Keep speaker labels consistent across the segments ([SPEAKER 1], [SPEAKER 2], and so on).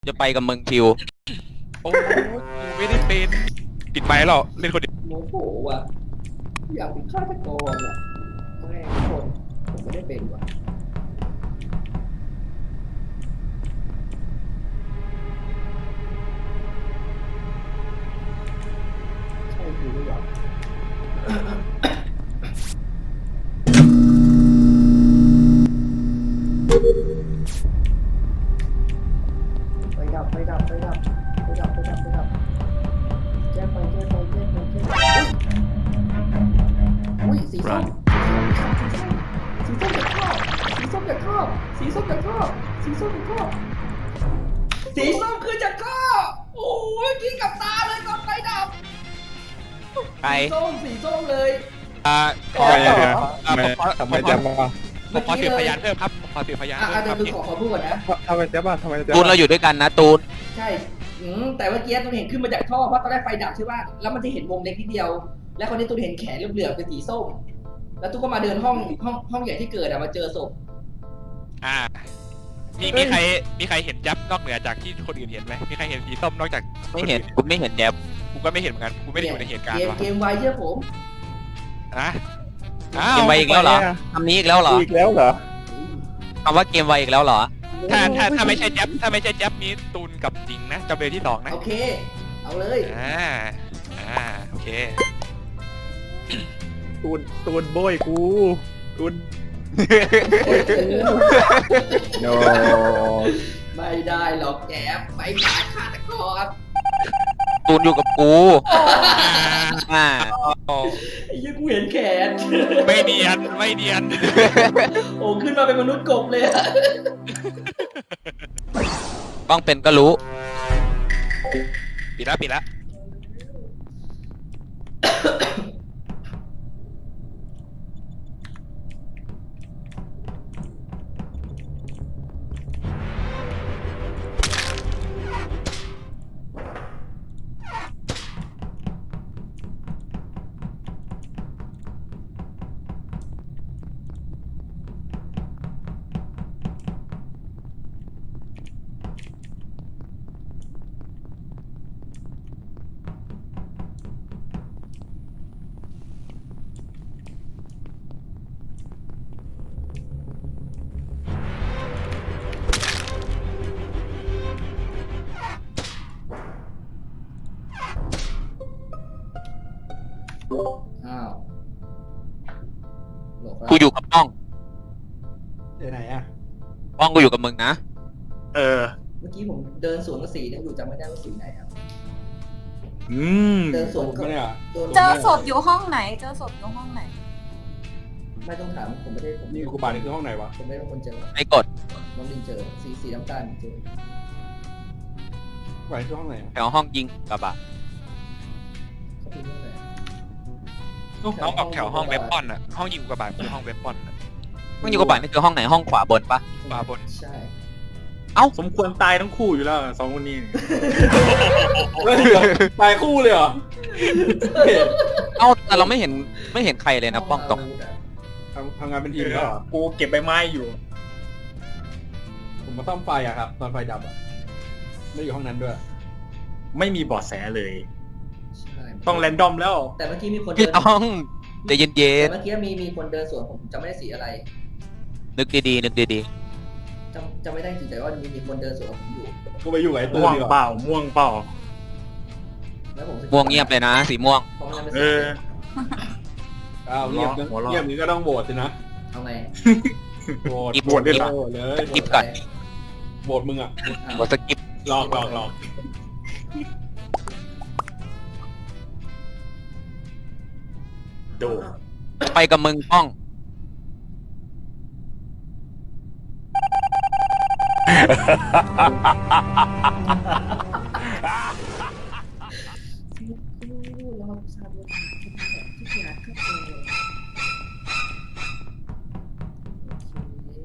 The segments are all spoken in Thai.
[SPEAKER 1] จะไปกับมึงคิว
[SPEAKER 2] โอ้กูไม่ได้เป็นปิดไมค์หรอกเล่นคนเดียว
[SPEAKER 3] โมโหว่ะอยากเป็นฆาตกรอ่ะไม่คนผมไม่ได้เป็นว่ะใช่คือหรือเปล่าไปดับแจ้งไปอุ้ยสีส้มสีส้มจากท่อสีส้มคือจากท่อโอ้ยกินกับตาเลยตอนไฟดับ
[SPEAKER 1] ใคร
[SPEAKER 3] สีส้มเลย
[SPEAKER 2] ขอ
[SPEAKER 4] ทำไมจะมา
[SPEAKER 2] ผมขอสืบพยานเพิ่มครับผมขอสืบพยานเพิ่มค
[SPEAKER 3] เดี๋
[SPEAKER 2] รั
[SPEAKER 3] ย
[SPEAKER 2] บ
[SPEAKER 3] วคือขอพูดก่อนนะ
[SPEAKER 4] ทำไมจะมาทำไมจะ
[SPEAKER 1] ตูนเราอยู่ด้วยกันนะตูน
[SPEAKER 3] ใช่แต่เมื่อกี้ตูนเห็นขึ้นมาจากท่อเพราะตอนแรกไฟดับใช่ป่ะแล้วมันจะเห็นวงเล็กนิดเดียว แล้วคนนี้ตูนเห็นแขนเหลือบๆเป็นสีส้ม แล้วตูนก็มาเดินห้องใหญ่ที่เกิดมาเจอศพ
[SPEAKER 2] มีใครเห็นยับนอกเหนือจากที่คนอื่นเห็นไหมมีใครเห็นสีส้มนอกจาก
[SPEAKER 1] ไม่เห็นกูไม่เห็นแยบ
[SPEAKER 2] กูก็ไม่เห็นเหมือนกันกูไม่ได้อยู่ในเหตุการณ์ว่ะ
[SPEAKER 3] เกมไวเชื่อผม
[SPEAKER 1] เกมไวอีกแล้วเหรอคำนี้อีกแล้วเหรอ
[SPEAKER 4] อีกแล้วเหรอ
[SPEAKER 1] คำว่าเกมไวอีกแล้วเหรอ
[SPEAKER 2] ถ้าไม่ใช่ยับนี้ตูนกับจริงนะจำเลยที่สองนะ
[SPEAKER 3] โอเค เอาเลย
[SPEAKER 2] โอเค
[SPEAKER 4] ตูนโบยกูตูนโน
[SPEAKER 3] ไม่ได้หรอกแกไปหาฆาตกร
[SPEAKER 1] ตูนอยู่กับกูอ่า
[SPEAKER 3] ไอ้ยี่กูเห็นแขน
[SPEAKER 2] ไม่เนียน
[SPEAKER 3] โอ้ขึ้นมาเป็นมนุษย์กบเลยอะ
[SPEAKER 1] ต้องเป็นก็รู้
[SPEAKER 2] ปิดแล้ว
[SPEAKER 3] อ้าวหลบแล้ว
[SPEAKER 1] กูอยู่กับป้อง
[SPEAKER 4] ไปไหนอ่ะ
[SPEAKER 1] ป้องกูอยู่กับมึงนะ
[SPEAKER 3] เมื่อกี้ผมเดินสวนกับสีเนี่ยอยู่จำไม่ได้ว่าสีไหนครับ เดินสวนกับ
[SPEAKER 4] ไม่ได้เหรอ
[SPEAKER 5] เจอศพอยู่ห้องไหน
[SPEAKER 3] ไม่ต้องถามผมไม่ได้ผม
[SPEAKER 4] นี่กูบานี่คือห้องไหนวะ
[SPEAKER 3] ผมไม่ได้เป็นคนเจอ
[SPEAKER 1] ไม่กด
[SPEAKER 3] น้องลินเจอสีน้ำตาลเจอ
[SPEAKER 4] บานี่คือห้องไหน
[SPEAKER 1] แถวห้องยิงกระบะ
[SPEAKER 3] เขาเป็นเรื่องอะไร
[SPEAKER 2] น้องออกแถวห้องเว็บปอนอ่ะห้องยิงกระบาดคือห้องเว็บปอน
[SPEAKER 1] ห้องยิงกระบะนี่คือห้องไหนห้องขวาบนปะ
[SPEAKER 2] ขวาบน
[SPEAKER 3] ใช่
[SPEAKER 4] สมควรตายทั้งคู่อยู่แล้วสองคนนี้ตายคู่เลยเหรอ
[SPEAKER 1] เอ้าแต่เราไม่เห็นใครเลยนะป้องตรง
[SPEAKER 4] ทำงานเป็นทีมแล้วเหรอ
[SPEAKER 6] กูเก็บใบไม้อยู่
[SPEAKER 4] ผมมาซ่อมไฟอะครับ ตอนไฟดับอะไม่อยู่ห้องนั้นด้วย
[SPEAKER 6] ไม่มีเบาะแสเลย
[SPEAKER 3] ใช่
[SPEAKER 6] ต้องแรนดอมแล้ว
[SPEAKER 3] แต่เมื่อกี้มีคน
[SPEAKER 1] พี่
[SPEAKER 3] เดิน
[SPEAKER 1] ต้องใจเย็
[SPEAKER 3] แต่
[SPEAKER 1] น
[SPEAKER 3] เมื่อกี้มีคนเดินสวนผมจำไม่ได้สีอะไร
[SPEAKER 1] ๆนึกดีๆนึกดี
[SPEAKER 3] จำไม่ได้จริงแต่ว่ามีคนเดินสวนกับผมอยู่
[SPEAKER 4] กูไปอยู่กับไอ้ตูน
[SPEAKER 6] ม่วง
[SPEAKER 4] ดีก
[SPEAKER 6] เป
[SPEAKER 4] ว่า
[SPEAKER 6] ล่า ม่วงเปล่า
[SPEAKER 3] แล้วผม
[SPEAKER 1] ๆม่วงเงียบเลยนะสีม่วง
[SPEAKER 3] เพราะมันเป็น
[SPEAKER 6] เอ
[SPEAKER 3] สี
[SPEAKER 6] อ
[SPEAKER 4] อ้าวเงียบ
[SPEAKER 6] หัวเราะ
[SPEAKER 4] เงียบนี้ก็ต้องโหวตสินะ
[SPEAKER 3] เอาไง
[SPEAKER 4] โหวต
[SPEAKER 1] กิ๊บ
[SPEAKER 4] โหวต
[SPEAKER 6] ด้วยเหรอ
[SPEAKER 4] โหวตเลย
[SPEAKER 1] กิ๊บก่อน
[SPEAKER 4] โหวตมึงอะ
[SPEAKER 3] อ้าว
[SPEAKER 1] กดสกิป
[SPEAKER 4] หลอก
[SPEAKER 6] ดู
[SPEAKER 1] ไปกับมึงป้อง
[SPEAKER 3] เราทราบว่าที่อยากก็เจอโอเค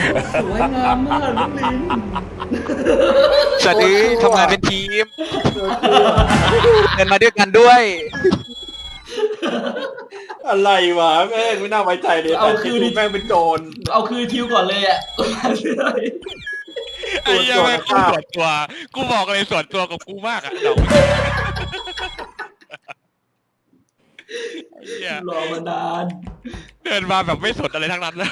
[SPEAKER 3] สวยงามมากน้องลิน
[SPEAKER 1] สวัสดีทำงานเป็นทีมเดินมาด้วยกันด้วย
[SPEAKER 4] อะไรวะแม่งไม่น่าไว้ใจเลยแต่คือนี่แม่งเป็นโจร
[SPEAKER 3] เอาคืนทิวก่อนเลยอ่ะ
[SPEAKER 2] ไอ้เหี้ยแม่งกูส่วนตัว กูบอกเลยส่วนตัวกับกูมากอะดอกไอ้เหี้ย
[SPEAKER 3] รอมานาน
[SPEAKER 2] เดินมาแบบไม่สนอะไรทั้งนั้นนะ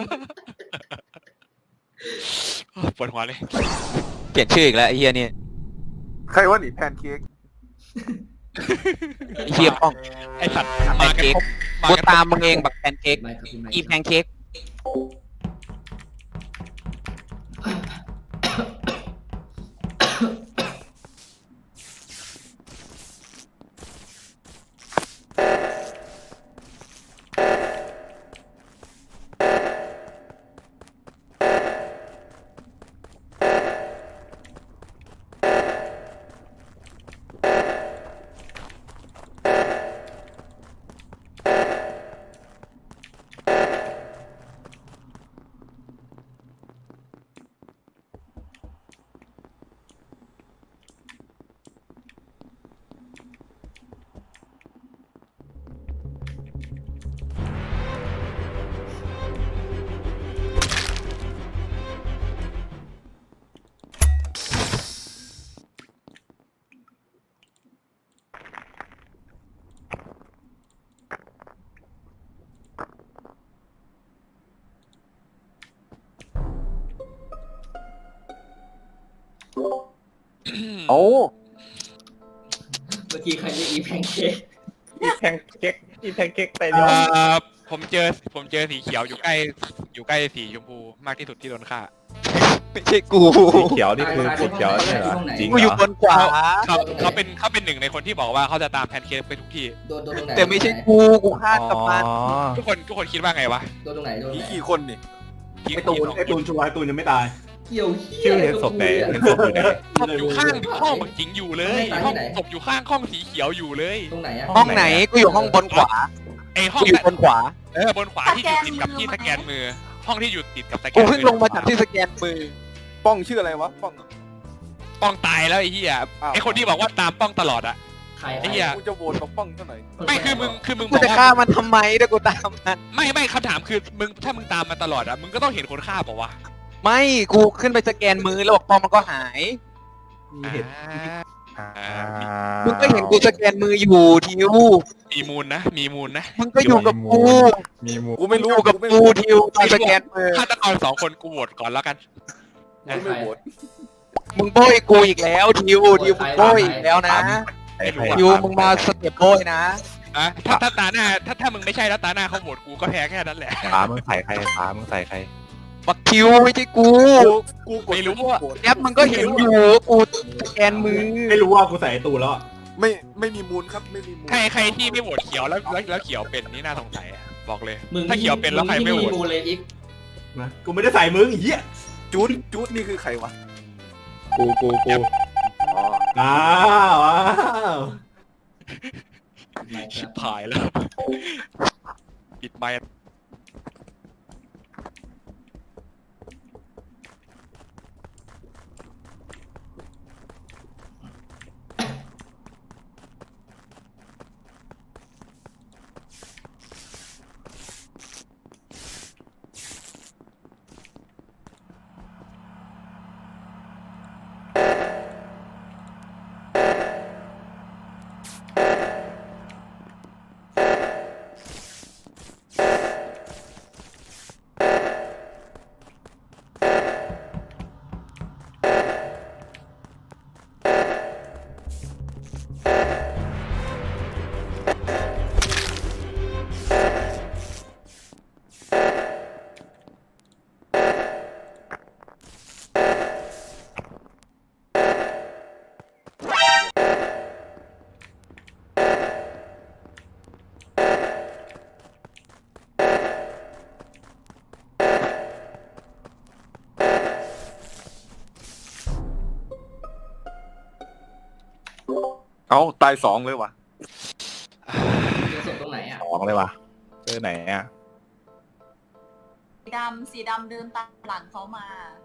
[SPEAKER 2] ปวดหัวเลย
[SPEAKER 1] เปลี่ยนชื่ออีกแล้วไอ้เฮียนี่
[SPEAKER 5] ใครว่าหนีแพนเค้ก
[SPEAKER 1] ไอ้เฮียป้อง
[SPEAKER 2] ไอ้สัตว์
[SPEAKER 1] แพ
[SPEAKER 2] มาน กัน
[SPEAKER 1] เค้ก
[SPEAKER 2] ครบ
[SPEAKER 1] กูตามมึงเองบักแพนเค้ก
[SPEAKER 3] ไม่ครับคุณไม่
[SPEAKER 1] อีแพนเค้ก
[SPEAKER 5] โอ้
[SPEAKER 3] เมื่อกี้ใครเรียกอีแพนเค้ก
[SPEAKER 6] อีแพนเค้กไปเดียว
[SPEAKER 2] ผมเจอสีเขียวอยู่ใกล้สีชมพูมากที่สุดที่โดนฆ่า
[SPEAKER 1] ไม่ใช่กู
[SPEAKER 6] สีเขียวนี่คือสีเขียวใช่เหรอจริง
[SPEAKER 1] กู
[SPEAKER 6] เห
[SPEAKER 1] อยู่
[SPEAKER 6] ร
[SPEAKER 1] บ
[SPEAKER 6] อน
[SPEAKER 1] ขวา
[SPEAKER 2] เขาเป็นหนึ่งในคนที่บอกว่าเขาจะตามแพนเค้กไปทุกที่
[SPEAKER 3] โดนตรงไหน
[SPEAKER 1] แต่ไม่ใช่กูฆ่ากับมัน
[SPEAKER 2] ทุกคนคิดว่าไงวะ
[SPEAKER 3] โดนตรงไหนโดนตรง
[SPEAKER 5] ผี
[SPEAKER 3] ไหน
[SPEAKER 5] กี่คนนี่
[SPEAKER 4] ไอ้ตูนชัวร์ไอ้ตูนยังไม่ตาย
[SPEAKER 3] เกี่ยวเหี้ย
[SPEAKER 6] ชื่อเห็นศพไหนเห็นศพอยู่ไหน
[SPEAKER 2] ศพอยู่ข้างห้องบักจิงอยู่เลยห้องศพอยู่ข้างห้องสีเขียวอยู่เลย
[SPEAKER 3] ตรงไหนอะ
[SPEAKER 1] ห้องไหนกูอยู่ห้องบนขวา
[SPEAKER 2] ไอห้อง
[SPEAKER 1] กูอยู่บนขวา
[SPEAKER 2] บนขวาที่อยู่ติดกับที่สแกนมือ ห้องที่อยู่ติดกับสแกน
[SPEAKER 1] กู
[SPEAKER 2] มือ
[SPEAKER 1] เพิ่งลงมาจากที่สแกนมือ
[SPEAKER 5] ป้องชื่ออะไรวะป้อง
[SPEAKER 2] ป้องตายแล้วไอ้เหี้ยไอคนที่บอกว่าตามป้องตลอดอะ
[SPEAKER 3] ใคร
[SPEAKER 2] ไอ้เหี้ย
[SPEAKER 5] กูจะโหวตกับป้องเท่าไหร่
[SPEAKER 2] ไม่คือมึงบ
[SPEAKER 1] กู
[SPEAKER 2] อก
[SPEAKER 1] จะ
[SPEAKER 2] ว่า
[SPEAKER 1] ฆ่ามันทำไมถ้ากูตามมัน
[SPEAKER 2] ไม่คำถามคือมึงถ้ามึงตามมาตลอดอะมึงก็ต้องเห็นคนฆ่าเปล่าวะ
[SPEAKER 1] ไม่กูขึ้นไปสแกนมือแล้วบอกปอมมันก็หาย
[SPEAKER 4] มีเหตุ
[SPEAKER 1] มึงก็เห็นกูสแกนมืออยู่ทิว
[SPEAKER 2] มีมูลนะ
[SPEAKER 1] มึงก็อยู่กับกู
[SPEAKER 6] มีมู
[SPEAKER 5] กูไม่รู้
[SPEAKER 1] อยู่กับ
[SPEAKER 5] ไม่
[SPEAKER 1] กู
[SPEAKER 5] รู้
[SPEAKER 1] ทิวตอนสแกนมือ
[SPEAKER 2] ฆาตกร2 คนกูโหวตก่อนแล้วกัน
[SPEAKER 5] กูไม่โหวต
[SPEAKER 1] มึงโบยกูอีกแล้วทิวมึงโบยอีกแล้วนะ
[SPEAKER 6] ใคร
[SPEAKER 1] ทิวมึงมาสเต็ปโบยนะ
[SPEAKER 2] อะถ้าตาหน้าถ้ามึงไม่ใช่แล้วตาหน้าเขาโหวตกูก็แพ้แค่นั้นแหละ
[SPEAKER 6] ฟ้ามึงใส่ใครฟ้ามึงใส่ใคร
[SPEAKER 1] บักทิวไม่ใช่กู
[SPEAKER 5] กูกด
[SPEAKER 2] ไม่รู้ว่า
[SPEAKER 5] โหวต
[SPEAKER 1] แอปมึงก็เห็นอยู่กูสแกนมือ
[SPEAKER 4] ไม่รู้ว่ากูใส่ไอ้ตูนแล้วอะ
[SPEAKER 5] ไม่มีมูลครับไม่มีมูล
[SPEAKER 2] ใครที่ไม่โหวตเขียวแล้วเขียวเป็นนี่น่าสงสัยอะบอกเลย
[SPEAKER 3] มึง
[SPEAKER 2] ถ้าเขียวเป็นแล้วใครไม่โหวต
[SPEAKER 3] มูเลยอีก
[SPEAKER 4] นะกูไม่ได้ใส่มึงไอ้เหี้ย
[SPEAKER 5] จูดนี่คือใครวะ
[SPEAKER 6] กู
[SPEAKER 5] อ๋อ
[SPEAKER 4] อ้าวอ้าว
[SPEAKER 3] ไม่ค
[SPEAKER 2] ชิ
[SPEAKER 3] รั
[SPEAKER 2] บบ หายแล้วปิดไมค์
[SPEAKER 5] เอ้าตาย2เลยวะ
[SPEAKER 3] เจอศพตรงไหนอ่ะ
[SPEAKER 6] สองเลยวะเจอไหนอ่ะ
[SPEAKER 7] สีดำเดินตามหลังเขามา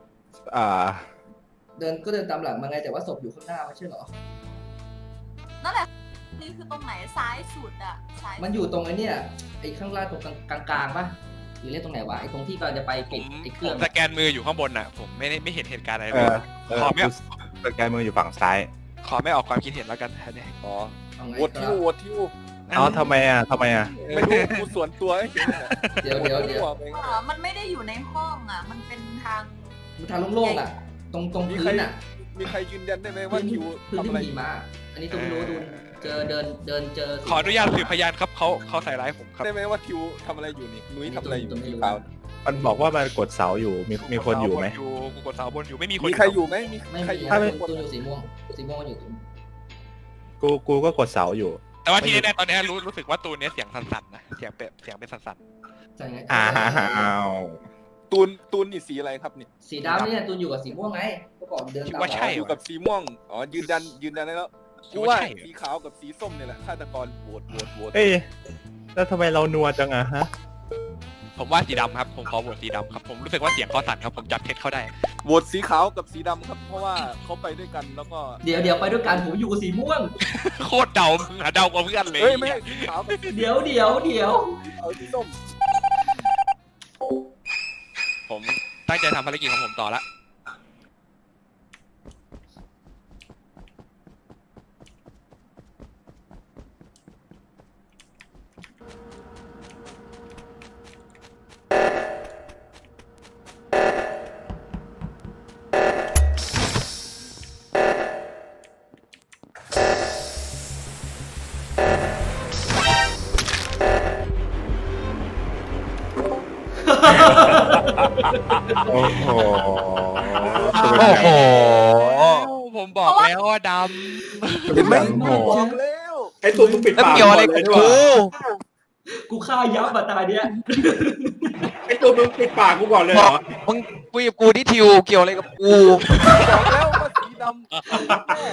[SPEAKER 3] เดินตามหลังมาไงแต่ว่าศพอยู่ข้างหน้าไม่ใช่เหรอ
[SPEAKER 7] นั่นแหละนี่คือตรงไหนซ้ายสุดอะซ้าย
[SPEAKER 3] มันอยู่ตรงไอ้เนี่ยไอ้ข้างล่างตรงกลางๆป่ะหรือเรียกตรงไหนวะไอ้ตรงที่กำลังจะไป
[SPEAKER 2] ผ
[SPEAKER 3] ปิด
[SPEAKER 2] ม
[SPEAKER 3] ไอ้เค
[SPEAKER 2] ผ
[SPEAKER 3] รื่อง
[SPEAKER 2] มสแกนมืออยู่ข้างบนอ่ะ ผมไม่เห็นเหตุการณ์อะไร
[SPEAKER 6] เอ
[SPEAKER 2] เลย
[SPEAKER 6] อ
[SPEAKER 2] ขอไม่
[SPEAKER 6] สแกนมืออยู่ฝั่งซ้าย
[SPEAKER 2] ขอไม่ออกความคิดเห็นแล้วกันอันนี้
[SPEAKER 5] อ๋อ
[SPEAKER 3] เอาไง
[SPEAKER 5] โหวต
[SPEAKER 3] ค
[SPEAKER 5] ทิ
[SPEAKER 3] รั
[SPEAKER 5] ว
[SPEAKER 3] บ
[SPEAKER 5] โหวตทิว
[SPEAKER 6] เอาทำไมอ่ะ
[SPEAKER 5] ไม่รู้กูส่วนตัวให้เห็นอะ
[SPEAKER 3] เดี๋ยว
[SPEAKER 7] มันไม่ได้อยู่ในห้องอะมันเป็นทาง
[SPEAKER 3] มันทางโล่งๆอ่ะ ตรงพื้นอ่ะ
[SPEAKER 5] มีใครยืนยันได้ไหมว่าทิว
[SPEAKER 3] พื้น
[SPEAKER 5] ทำ
[SPEAKER 3] ที่
[SPEAKER 5] อะไร
[SPEAKER 3] มีมาอันนี้ตูไม่รู้ดูเจอเดินเจอ
[SPEAKER 2] ขออนุญาตสืบพยานครับเขาใส่ร้ายผมครับ
[SPEAKER 5] ได้ไหมว่าทิวทำอะไรอยู่นี่นุ้ยทำอะไรอยู่ที่เปล่า
[SPEAKER 6] มันบอกว่ามันกดเสาอยู่ มีคนอยู่ไหม
[SPEAKER 2] กูกดเสาบนอยู่ไม่มีคน
[SPEAKER 5] มีใครอยู่ไหมมี
[SPEAKER 3] ไม่
[SPEAKER 5] ใคร
[SPEAKER 3] มี
[SPEAKER 5] อยู่
[SPEAKER 3] ค
[SPEAKER 5] ไห
[SPEAKER 3] น
[SPEAKER 5] ม
[SPEAKER 3] ตูอยู่สีม่วงมันอยู่ตรง
[SPEAKER 6] กูก็กดเสาอยู่
[SPEAKER 2] แต่ว่าที่แน่ๆตอนนี้รู้สึกว่าตูนเนี้ยเสียงสั่นๆนะเสียงเป็นสั่น
[SPEAKER 3] ใช่ไง
[SPEAKER 6] อ้าว
[SPEAKER 5] ตูนนี่สีอะไรครับนี่
[SPEAKER 3] สีดำเนี่ยตูนอยู่กับสีม่วงไงก็บอกเดิน
[SPEAKER 2] ๆคิด
[SPEAKER 3] ตาม
[SPEAKER 2] ว่าใช่
[SPEAKER 5] อยู่
[SPEAKER 2] วะ
[SPEAKER 5] กับสีม่วงอ๋อยืนยันได้แล้ว
[SPEAKER 2] คิ
[SPEAKER 5] กู
[SPEAKER 2] ดว่า
[SPEAKER 5] ว่า
[SPEAKER 2] ใช่
[SPEAKER 5] สีขาวกับสีส้มเนี่ยแหละฆาตกรโหวต
[SPEAKER 6] เอ้ยแล้วทำไมเรานัวจังอะฮะ
[SPEAKER 2] ผมว่าสีดำครับผมขอโหวตสีดำครับผมรู้สึกว่าเสียงเขาสั่นครับผมจับเท็จเขาได้
[SPEAKER 5] โหวตสีขาวกับสีดำครับ เพราะว่าเขาไปด้วยกันแล้วก็
[SPEAKER 3] เดี๋ยวไปด้วยกันผมอยู่กับสีม่วง
[SPEAKER 2] โคตรเดามึงอะเดากว่าเพื่อนเลย
[SPEAKER 5] เฮ้ยไม่ใช่สีขาวกับสี
[SPEAKER 3] เดี๋ยว
[SPEAKER 5] เอาสีส้ม
[SPEAKER 2] ผมตั้งใจทำภารกิจของผมต่อละ
[SPEAKER 6] โอ้โห
[SPEAKER 1] โอ้โห
[SPEAKER 2] ผมบอกแล้วว่าด
[SPEAKER 5] เห็นไหม
[SPEAKER 6] โอ้โห
[SPEAKER 5] บอกแล้ว
[SPEAKER 4] ไอ้ตูนมึงปิด
[SPEAKER 1] แล้ว
[SPEAKER 4] ปาก
[SPEAKER 1] เกี่ยวอะไรกับกู
[SPEAKER 3] กูฆ่ายับมาตาเนี้ย
[SPEAKER 4] ไอ้ตูนมึงปิดปากกูก่อนเลยเหรอ
[SPEAKER 1] มึงคุยกับกูที่ทิวเกี่ยวอะไรกับกู
[SPEAKER 5] บอกแล้วว่าสีดำ